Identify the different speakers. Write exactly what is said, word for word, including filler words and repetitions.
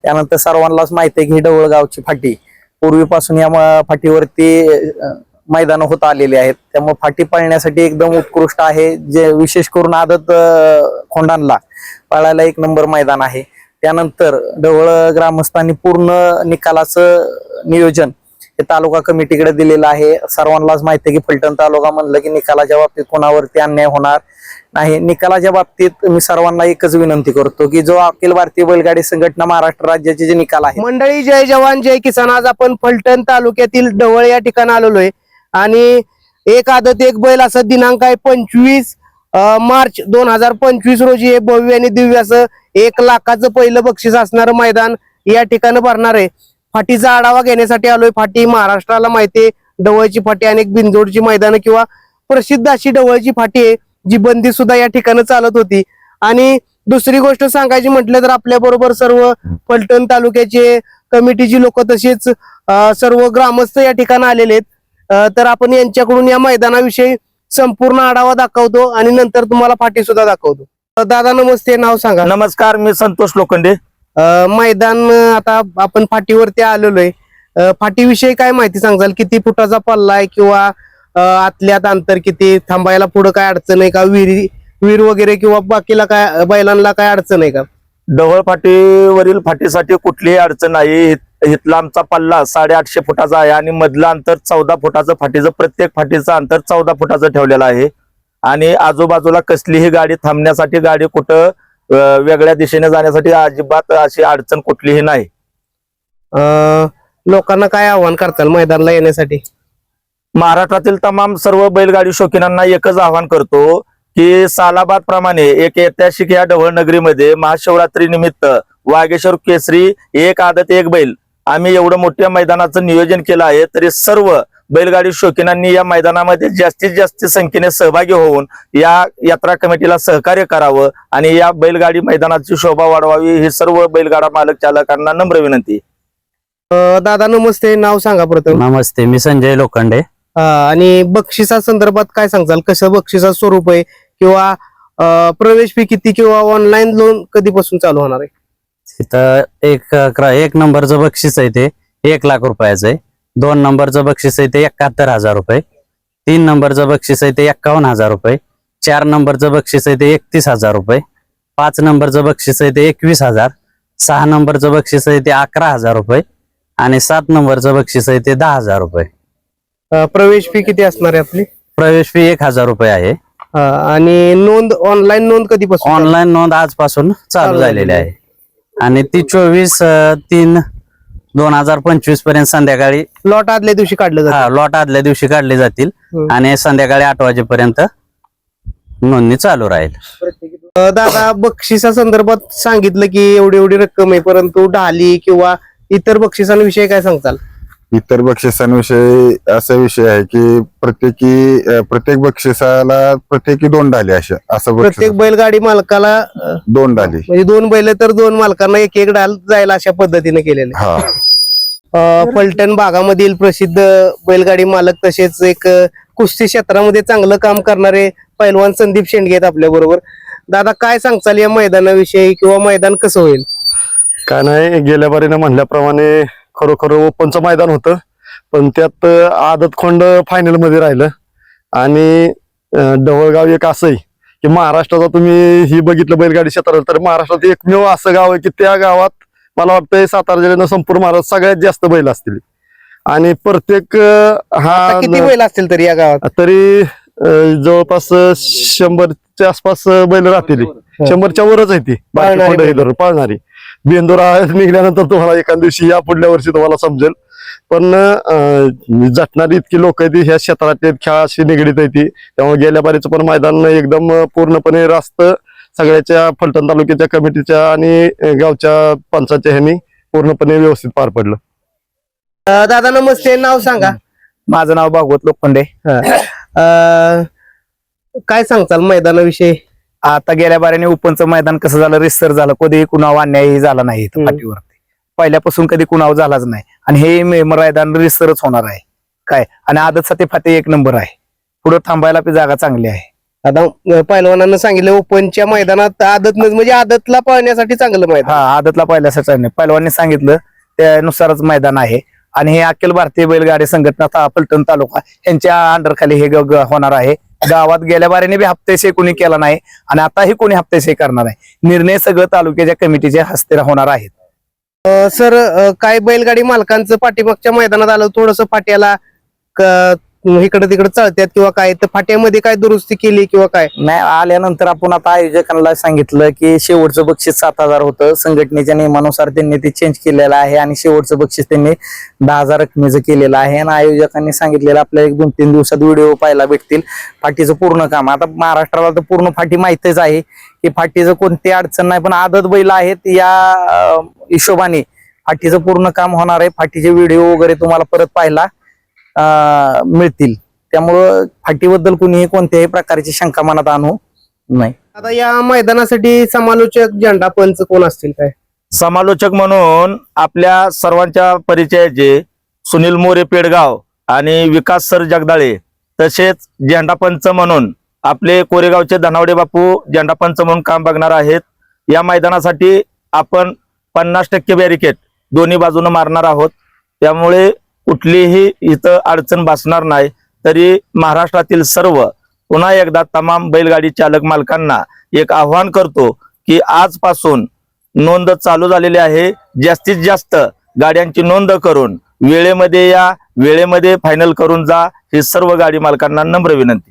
Speaker 1: त्यानंतर सर्वांनाच माहिती आहे की ही ढवळगावची फाटी पूर्वीपासून या म- फाटीवरती अ, मैदान होत आलेली आहेत, त्यामुळे फाटी पळण्यासाठी एकदम उत्कृष्ट आहे. जे विशेष करून आदत अ, खोंडांना पळायला एक नंबर मैदान आहे. त्यानंतर ढवळ ग्रामस्थांनी पूर्ण निकालाचं नियोजन हे तालुका कमिटीकडे दिलेलं आहे. सर्वांनाच माहिती आहे की फलटण तालुका म्हणलं की निकालाच्या बाबतीत कोणावरती अन्याय होणार नाही. निकालाच्या बाबतीत मी सर्वांना एकच विनंती करतो की जो अखिल भारतीय बैलगाडी संघटना महाराष्ट्र राज्याचे जे निकाल आहे.
Speaker 2: मंडळी, जय जवान जय किसान. आज आपण फलटण तालुक्यातील ढवळ या ठिकाणी आलेलो आहे आणि एक आदत एक बैल असं दिनांक आहे पंचवीस मार्च दोन हजार पंचवीस रोजी हे भव्य आणि दिव्य असं एक लाखाचं पहिलं बक्षीस असणारं मैदान या ठिकाणी भरणार आहे. फाटीचा आढावा घेण्यासाठी आलोय. फाटी महाराष्ट्राला माहिती आहे, ढवळची फाटी अनेक बिनजोडची मैदानं किंवा प्रसिद्ध अशी ढवळची फाटी आहे जी बंदी सुद्धा या ठिकाणी चालत होती. आणि दुसरी गोष्ट सांगायची म्हटलं तर आपल्या बरोबर सर्व फलटण तालुक्याचे कमिटीची लोक तसेच अं, सर्व ग्रामस्थ या ठिकाणी आलेले आहेत. अं, तर आपण यांच्याकडून या मैदानाविषयी संपूर्ण आढावा दाखवतो आणि नंतर तुम्हाला फाटी सुद्धा दाखवतो. अं, दादा नमस्ते, नाव सांगा.
Speaker 3: नमस्कार, मी संतोष लोखंडे.
Speaker 2: अं, मैदान अं, आता आपण फाटीवरती आलेलो आहे. अं, फाटीविषयी काय माहिती सांगाल? किती फुटाचा पल्ला आहे किंवा अं, आतल्यात अंतर किती, थांबायला पुढे काय अडचण आहे का, विहिरी विहीर वगैरे किंवा बाकीला काय बैलांना काय अडचण आहे का?
Speaker 3: ढवळ फाटीवरील फाटीसाठी कुठलीही अडचण नाही. इथला आमचा पल्ला साडेआठशे फुटाचा आहे आणि मधलं अंतर चौदा फुटाचं. फाटीचं प्रत्येक फाटीचं अंतर चौदा फुटाचं ठेवलेलं आहे आणि आजूबाजूला कसलीही गाडी थांबण्यासाठी, गाडी कुठं अं, वेगळ्या दिशेने जाण्यासाठी अजिबात अशी अडचण कुठलीही नाही.
Speaker 2: अं, लोकांना काय आव्हान करताल मैदानाला येण्यासाठी?
Speaker 3: महाराष्ट्रातील तमाम सर्व बैलगाडी शौकीनांना एकच आवाहन करतो की सालाबाद प्रमाणे एक ऐतिहासिक या ढवळ नगरीमध्ये महाशिवरात्री निमित्त वागेश्वर केसरी एक आदत एक बैल आम्ही एवढं मोठ्या मैदानाचं नियोजन केलं आहे. तरी सर्व बैलगाडी शौकीनांनी या मैदानामध्ये जास्तीत जास्त संख्येने सहभागी होऊन या यात्रा कमिटीला सहकार्य करावं आणि या बैलगाडी मैदानाची शोभा वाढवावी ही सर्व बैलगाडा मालक चालकांना नम्र विनंती.
Speaker 2: अं, दादा नमस्ते, नाव सांगा प्रथम.
Speaker 4: नमस्ते, मी संजय लोखंडे.
Speaker 2: अं, आणि बक्षिसा संदर्भात काय सांगताल? कसं बक्षिसा स्वरूप आहे किंवा अं, प्रवेश फी किती किंवा ऑनलाईन लोन कधीपासून चालू होणार आहे?
Speaker 4: तिथं एक क्र- एक नंबरचं बक्षीस आहे ते एक लाख रुपयाचं आहे. दोन नंबरचं बक्षीस आहे ते एकाहत्तर हजार रुपये. तीन नंबरचं बक्षीस आहे ते एक्कावन्न हजार रुपये. चार नंबरचं बक्षीस आहे ते एकतीस हजार रुपये. पाच नंबरचं बक्षीस आहे ते एकवीस हजार. सहा नंबरचं बक्षीस आहे ते अकरा हजार रुपये आणि सात नंबरचं बक्षीस आहे ते दहा हजार रुपये.
Speaker 2: अं, प्रवेश फी किती असणार आहे आपली?
Speaker 4: प्रवेश फी एक हजार रुपये आहे.
Speaker 2: अं, आणि नोंद ऑनलाईन नोंद कधीपासून?
Speaker 4: ऑनलाईन नोंद आजपासून चालू
Speaker 2: चालू
Speaker 4: झालेली
Speaker 2: झालेली
Speaker 4: आहे आणि ती चोवीस अं, तीन दोन हजार पंचवीस पर्यंत संध्याकाळी
Speaker 2: लॉट आदल्या दिवशी काढलं जातं.
Speaker 4: हा लॉट आदल्या दिवशी काढले जातील
Speaker 2: हम्म.
Speaker 4: आणि संध्याकाळी आठ वाजेपर्यंत नोंदणी चालू राहील.
Speaker 2: अं, दादा बक्षिसा संदर्भात सांगितलं की एवढी एवढी रक्कम आहे, परंतु ढाली किंवा इतर बक्षिसांविषयी काय सांगताल?
Speaker 5: इतर बक्षिसांविषयी असा विषय आहे की प्रत्येकी अं, प्रत्येक बक्षिसाला प्रत्येकी दोन डाली अशा असं बक्षीस
Speaker 2: प्रत्येक बैलगाडी मालकाला अं,
Speaker 5: दोन डाली.
Speaker 2: म्हणजे दोन बैल तर दोन मालकांना एक एक डाल जायला अशा पद्धतीने केलेले.
Speaker 5: हा
Speaker 2: अं, फलटण भागामधील प्रसिद्ध बैलगाडी मालक तसेच एक अं, कुस्ती क्षेत्रामध्ये चांगलं काम करणारे पैलवान संदीप शेंडगे आहेत आपल्या बरोबर. दादा काय सांगताल या मैदानाविषयी किंवा मैदान कसं होईल?
Speaker 6: काय नाही, गेल्या बारीनं म्हणल्याप्रमाणे खरोखर ओपनचं मैदान होतं पण त्यात आदत खोंड फायनल मध्ये राहिलं आणि अं, ढवळगाव एक असं आहे की महाराष्ट्राचा तुम्ही ही बघितलं बैलगाडी क्षेत्रात तर महाराष्ट्रात एकमेव असं गाव आहे की त्या गावात मला वाटतंय सातारा जिल्ह्यानं संपूर्ण महाराष्ट्र सगळ्यात जास्त बैल असतील आणि प्रत्येक अं,
Speaker 2: आता
Speaker 6: हा
Speaker 2: किती बैल असतील तरी या गावात?
Speaker 6: तरी अं, जवळपास शंभरच्या आसपास बैल राहतील. शंभरच्या वरच आहे ती बाकी
Speaker 2: पाळणारी
Speaker 6: खोंड हे
Speaker 2: बैल.
Speaker 6: धरून पाळणारी. बेंदुरा निघल्यानंतर तुम्हाला एका दिवशी या पुढल्या वर्षी तुम्हाला समजेल. पण अं, झटणारी इतकी लोक आहेत ह्या क्षेत्रात खेळाशी निगडीत आहे ती, त्यामुळे गेल्या बारीचं पण मैदान एकदम पूर्णपणे रास्त सगळ्याच्या फलटण तालुक्याच्या कमिटीच्या आणि अं, गावच्या पंचायतच्या ह्यांनी पूर्णपणे व्यवस्थित पार पडलं.
Speaker 2: अं, दादा नमस्ते, नाव सांगा.
Speaker 1: माझं नाव भागवत लोखंडे.
Speaker 2: अं, काय सांगताल मैदानाविषयी?
Speaker 1: आता गेल्या बाऱ्याने ओपनचं मैदान कसं झालं, रिसर झालं, कधी कुणावर अन्यायही झाला नाही इथं
Speaker 2: हम्म.
Speaker 1: फाटीवरती. पहिल्यापासून कधी कुणावर झालाच नाही आणि हे मे- मैदान रिसरच होणार आहे काय. आणि आदत साठी फाटी एक नंबर आहे, पुढे थांबायला पण जागा चांगली आहे.
Speaker 2: आता अं, पहिलवानांना सांगितलं ओपनच्या मैदानात आदत म्हणजे आदतला पळण्यासाठी चांगलं मैदान.
Speaker 1: हा आदतला पहिल्यासाठी नाही पहिलवांनी सांगितलं त्यानुसारच मैदान आहे आणि हे अखिल भारतीय बैलगाडी संघटना ता- फलटण तालुका यांच्या अंडर खाली हे ग- ग- होणार आहे. गावात गेल्या बारीने बी हप्तेशे कोणी केला नाही आणि आताही कोणी हप्तेशे करणार आहे. निर्णय सगळं तालुक्याच्या कमिटीच्या हस्ते होणार आहेत.
Speaker 2: अं, सर अं, काय बैलगाडी मालकांचं पाठीमागच्या मैदानात आलं थोडस फाट्याला इकडे तिकडे चळत्यात किंवा काय तर फाट्यामध्ये काय दुरुस्ती केली किंवा काय?
Speaker 1: नाही आल्यानंतर आपण आता आयोजकांना सांगितलं की शेवटचं बक्षीस सात हजार होतं. संघटनेच्या नियमानुसार त्यांनी ते चेंज केलेलं आहे आणि शेवटचं बक्षीस त्यांनी दहा हजार रकमेचं केलेलं आहे आणि आयोजकांनी सांगितलेलं आपल्याला एक दोन तीन दिवसात व्हिडिओ पाहायला भेटतील फाटीचं पूर्ण काम. आता महाराष्ट्राला तर पूर्ण फाटी माहितीच आहे की फाटीचं कोणती अडचण नाही पण आदत बैल आहेत या अं, हिशोबाने फाटीचं पूर्ण काम होणार आहे. फाटीचे व्हिडिओ वगैरे तुम्हाला परत पाहायला अं, मिळतील. त्यामुळं फाटीबद्दल कुणीही कोणत्याही प्रकारची शंका मनात आणू नाही.
Speaker 2: आता या मैदानासाठी समालोचक झेंडा पंच कोण असतील काय?
Speaker 3: समालोचक म्हणून आपल्या सर्वांच्या परिचयाचे सुनील मोरे पेडगाव आणि विकास सर जगदाळे तसेच झेंडापंच म्हणून आपले कोरेगावचे धनावडे बापू झेंडापंच म्हणून काम बघणार आहेत. या मैदानासाठी आपण पन्नास टक्के बॅरिकेड दोन्ही बाजूने मारणार आहोत. त्यामुळे कुठलीही इथं अडचण भासणार नाही. तरी महाराष्ट्रातील सर्व पुन्हा एकदा तमाम बैलगाडी चालक मालकांना एक आव्हान करतो की आजपासून नोंद चालू झालेली आहे. जास्तीत जास्त गाड्यांची नोंद करून वेळेमध्ये या वेळेमध्ये फायनल करून जा ही सर्व गाडी मालकांना नम्र विनंती.